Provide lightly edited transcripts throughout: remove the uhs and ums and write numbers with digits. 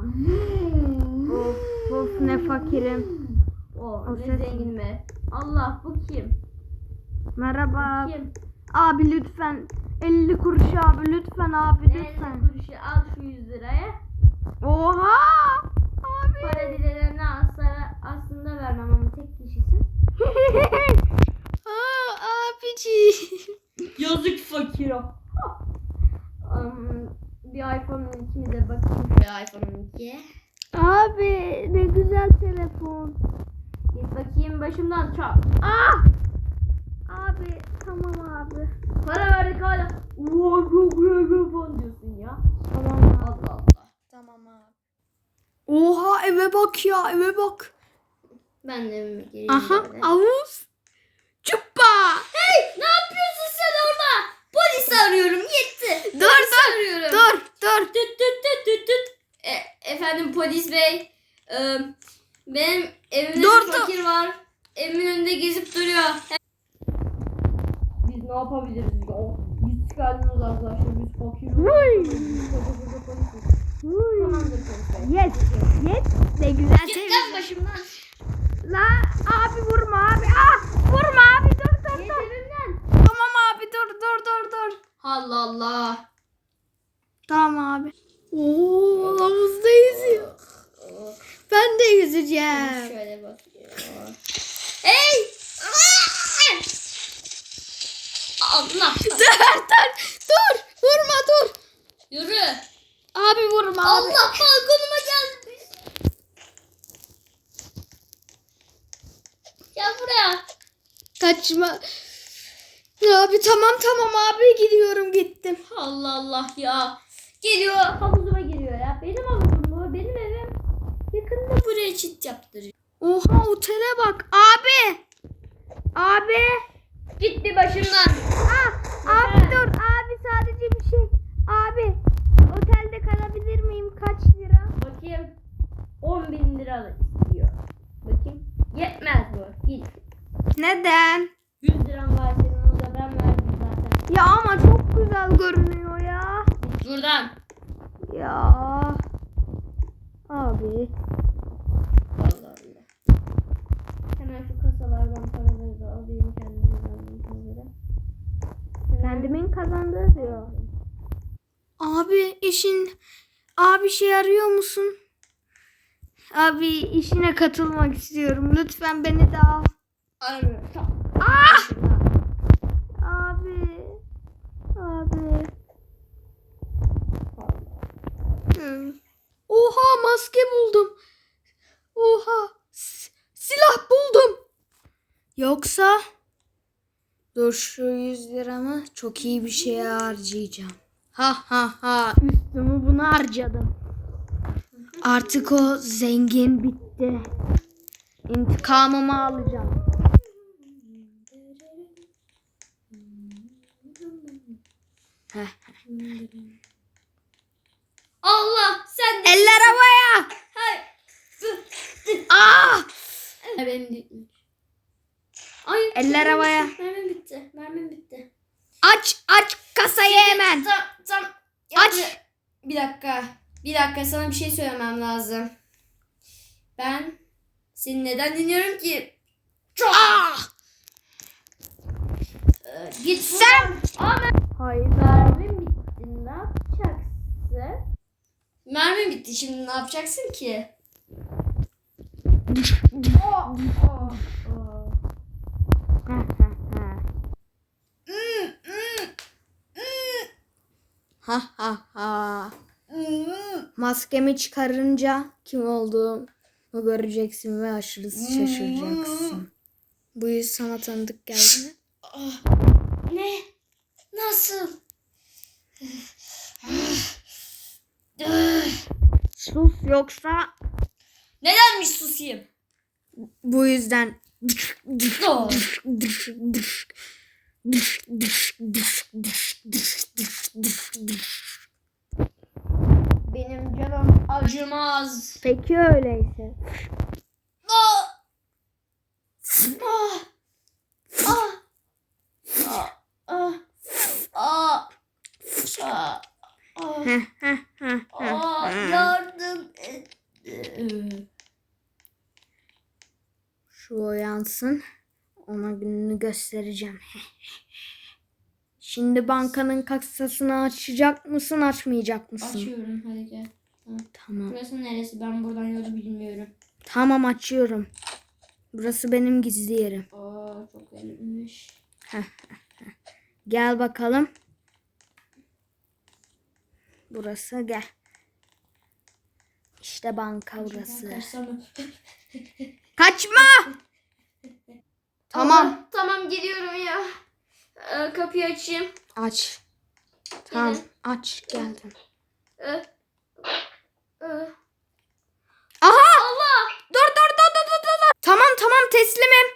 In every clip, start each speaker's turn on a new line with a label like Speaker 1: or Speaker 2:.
Speaker 1: Of ne fakirim.
Speaker 2: O ne zengin mi? Allah bu kim?
Speaker 1: Merhaba.
Speaker 2: Bu kim?
Speaker 1: Abi lütfen 50 kuruş abi lütfen abi lütfen.
Speaker 2: Ne kuruşu al şu 100 liraya.
Speaker 1: Oha! Abi.
Speaker 2: Para dilenene aslında vermem ama tek kişisin.
Speaker 1: Abici.
Speaker 2: Yazık fakir o. Bir iPhone 12'mi de bakayım şöyle iPhone 12'ye.
Speaker 1: Abi ne güzel telefon.
Speaker 2: Git bakayım başımdan çal.
Speaker 1: Ah! Abi tamam abi.
Speaker 2: Para verdik hala. Çok falan diyorsun ya.
Speaker 1: Tamam abi.
Speaker 2: Allah Allah.
Speaker 1: Tamam abi. Oha eve bak ya eve bak.
Speaker 2: Ben de evime gireyim.
Speaker 1: Aha
Speaker 2: böyle.
Speaker 1: havuz. Cuppa.
Speaker 2: Hey ne yapıyorsun sen orada? Polis arıyorum yetti.
Speaker 1: Dur dur.
Speaker 2: Arıyorum.
Speaker 1: Dur.
Speaker 2: Tüt tüt tüt tüt tüt. Efendim polis bey. Benim evimde
Speaker 1: Dur,
Speaker 2: bir fakir var. Evimin önünde gezip duruyor. Biz ne yapabiliriz ya? Biz çıkardınız arkadaşlar. Biz fakiriz. Tamamdır polis bey.
Speaker 1: Yes. Yes. Ne güzel
Speaker 2: Git
Speaker 1: telefon.
Speaker 2: lan başımdan.
Speaker 1: La abi vurma abi. Ah vurma abi dur.
Speaker 2: Git evimden.
Speaker 1: Tamam abi dur.
Speaker 2: Allah Allah.
Speaker 1: Tamam abi. Oo havuzda yüzüyor. Ben de yüzeceğim.
Speaker 2: Şöyle bakıyorum. Hey! Allah!
Speaker 1: Dur. Vurma dur.
Speaker 2: Yürü!
Speaker 1: Abi vurma abi.
Speaker 2: Allah balkonuma gelmiş. Gel buraya.
Speaker 1: Kaçma. Abi tamam abi gidiyorum gittim.
Speaker 2: Allah Allah ya. Geliyor havuzuma giriyor ya. Benim havuzum bu. Benim evim. Yakında buraya çit yaptırıyor.
Speaker 1: Oha otele bak. Abi.
Speaker 2: Gitti başımdan.
Speaker 1: Abi dur. Abi sadece bir şey. Abi. Otelde kalabilir miyim? Kaç lira?
Speaker 2: Bakayım. 10.000 lira istiyor. Bakayım. Yetmez bu. Git.
Speaker 1: Neden?
Speaker 2: 100 liram var senin onu da ben verdim zaten.
Speaker 1: Ya ama çok güzel görünüyor ya.
Speaker 2: Git buradan.
Speaker 1: Ya. Abi.
Speaker 2: Allah Allah. Hemen şu kasalardan paraları da alayım kendimden paraları.
Speaker 1: Kendimin kazandığı diyor. Abi şey arıyor musun? Abi işine katılmak istiyorum. Lütfen beni de al.
Speaker 2: Aramıyorum. Tamam.
Speaker 1: Abi. Oha maske buldum. Oha silah buldum. Yoksa dur şu 100 liramı çok iyi bir şeye harcayacağım. Ha üstümü buna harcadım. Artık o zengin bitti. İntikamımı alacağım.
Speaker 2: Allah sen de.
Speaker 1: Eller havaya.
Speaker 2: Hayır.
Speaker 1: Ah!
Speaker 2: Benim bitmiş. Ay.
Speaker 1: Eller havaya.
Speaker 2: Mermim bitti.
Speaker 1: Aç kasayı hemen.
Speaker 2: Tam.
Speaker 1: Aç.
Speaker 2: Bir dakika sana bir şey söylemem lazım. Ben seni neden dinliyorum ki?
Speaker 1: Ah!
Speaker 2: Git
Speaker 1: Sen.
Speaker 2: Hayır. Mermim bitti. Ne yapacaksın? Mermim bitti. Şimdi ne yapacaksın ki?
Speaker 1: Ha. Maskemi çıkarınca kim olduğumu göreceksin ve aşırı şaşıracaksın. Bu yüz sana tanıdık geldi mi?
Speaker 2: Ne? Nasıl?
Speaker 1: Sus yoksa
Speaker 2: Nedenmiş susayım?
Speaker 1: bu yüzden.
Speaker 2: Benim canım acımaz.
Speaker 1: Peki öyleyse.
Speaker 2: Ah! Ah! Ah! Ah! Ah! Ah! Ah! Ah! Yardım et.
Speaker 1: Şu uyansın. Ona gününü göstereceğim. Şimdi bankanın kasasını açacak mısın, açmayacak mısın?
Speaker 2: Açıyorum, hadi gel.
Speaker 1: Tamam.
Speaker 2: Burası neresi? Ben buradan yolu bilmiyorum.
Speaker 1: Tamam, açıyorum. Burası benim gizli yerim.
Speaker 2: Aa, çok garipmiş.
Speaker 1: Gel bakalım. Burası, gel. İşte banka burası.
Speaker 2: Kaçsam.
Speaker 1: Kaçma! Tamam.
Speaker 2: Allah, tamam gidiyorum ya. Kapıyı açayım.
Speaker 1: Aç. Tamam,
Speaker 2: Gelin.
Speaker 1: aç, geldim.
Speaker 2: Ee, e,
Speaker 1: Aha! Allah! Dur. Tamam, teslimim.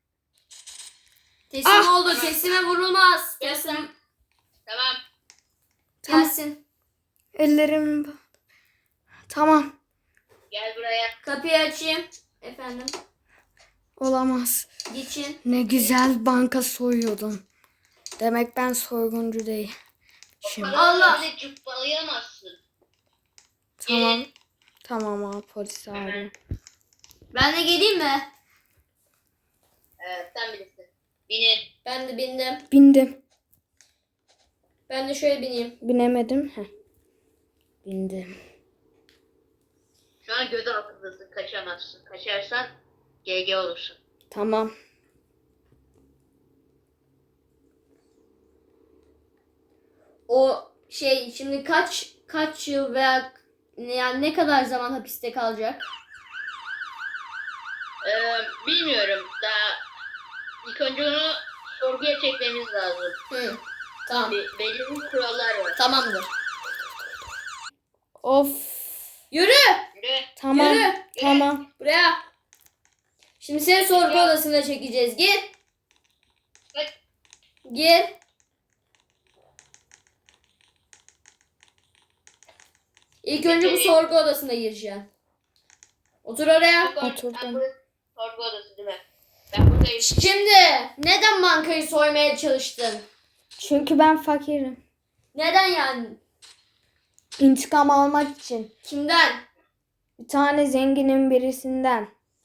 Speaker 2: Teslim oldu. Teslime vurulmaz. Teslim.
Speaker 3: Tamam.
Speaker 2: Gelsin.
Speaker 1: Ellerim. Tamam.
Speaker 3: Gel buraya.
Speaker 2: Kapıyı açayım. Efendim.
Speaker 1: Olamaz.
Speaker 2: Geçin.
Speaker 1: Ne güzel banka soyuyordum. Demek ben soyguncu değil. Şimdi
Speaker 2: Allah!
Speaker 3: Öyle cıppalayamazsın.
Speaker 1: tamam. Tamam abi, polis abi.
Speaker 2: Ben de geleyim mi?
Speaker 3: Sen bilirsin. Binin.
Speaker 2: Ben de bindim.
Speaker 1: Bindim.
Speaker 2: Ben de şöyle bineyim.
Speaker 1: Binemedim. Bindim.
Speaker 3: Şu an göz altındasın. Kaçamazsın. Kaçarsan GG olursun.
Speaker 1: Tamam.
Speaker 2: O şey şimdi kaç yıl veya yani ne kadar zaman hapiste kalacak?
Speaker 3: Bilmiyorum. Daha ilk önce onu sorguya çekmemiz lazım.
Speaker 2: Hı. Tamam.
Speaker 3: Belli bir kurallar var.
Speaker 2: Tamamdır.
Speaker 1: Of.
Speaker 2: Yürü.
Speaker 3: Yürü.
Speaker 1: Tamam.
Speaker 2: Yürü.
Speaker 1: Tamam.
Speaker 2: Buraya. Şimdi seni sorgu odasına çekeceğiz. Gir.
Speaker 3: Hadi.
Speaker 2: Gir. İlk önce bu sorgu odasına gireceksin. Otur oraya.
Speaker 1: Oturdum.
Speaker 3: Ben burası sorgu odası değil mi? Ben buradayım.
Speaker 2: Şimdi neden bankayı soymaya çalıştın?
Speaker 1: Çünkü ben fakirim.
Speaker 2: Neden yani?
Speaker 1: İntikam almak için.
Speaker 2: Kimden?
Speaker 1: Bir tane zenginin birisinden.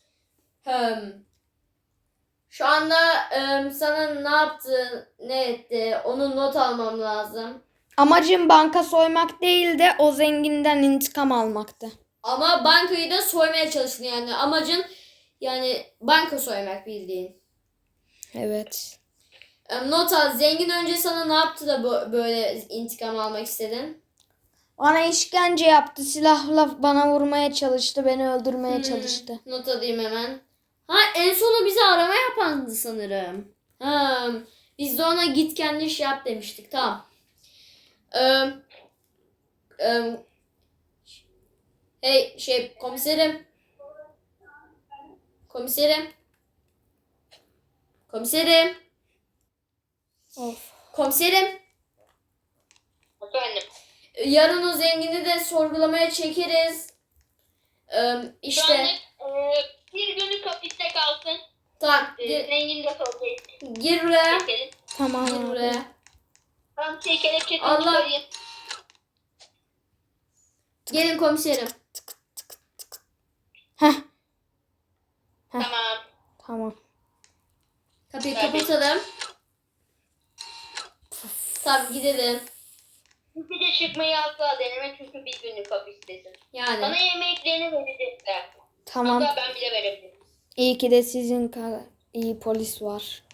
Speaker 2: Şu anda sana ne yaptı, ne etti, onun not almam lazım.
Speaker 1: Amacım banka soymak değil de o zenginden intikam almaktı.
Speaker 2: Ama bankayı da soymaya çalıştın yani. Amacın yani banka soymak bildiğin.
Speaker 1: Evet.
Speaker 2: Not al. Zengin önce sana ne yaptı da böyle intikam almak istedin?
Speaker 1: Bana işkence yaptı. Silahla bana vurmaya çalıştı. Beni öldürmeye çalıştı.
Speaker 2: Not alayım hemen. Ha, en sonu bizi arama yapandı sanırım. Biz de ona git kendi iş yap demiştik. Tamam. Hey komiserim. Komiserim.
Speaker 1: Of.
Speaker 2: Komiserim.
Speaker 3: Efendim.
Speaker 2: Yarın o zengini de sorgulamaya çekeriz.
Speaker 3: Şu
Speaker 2: İşte.
Speaker 3: anlık bir günlük hapiste kalsın.
Speaker 2: Tamam.
Speaker 3: Zengin de sorguya
Speaker 2: Gir buraya.
Speaker 3: çekelim.
Speaker 1: Tamam
Speaker 2: Gir
Speaker 1: abi.
Speaker 2: buraya.
Speaker 3: Tamam kelepçesini
Speaker 2: Allah.
Speaker 3: çıkarayım.
Speaker 2: Gelin komiserim.
Speaker 1: Heh.
Speaker 3: Tamam.
Speaker 1: Tamam.
Speaker 2: Kapıyı
Speaker 3: Tabii.
Speaker 2: kapatalım. Tamam gidelim.
Speaker 3: Bir de çıkmayı asla deneme çünkü bir günlük hapistesin.
Speaker 2: Yani.
Speaker 3: Bana yemeklerini verecekler.
Speaker 1: Tamam.
Speaker 3: Hatta ben bile verebilirim.
Speaker 1: İyi ki de sizin kadar iyi polis var.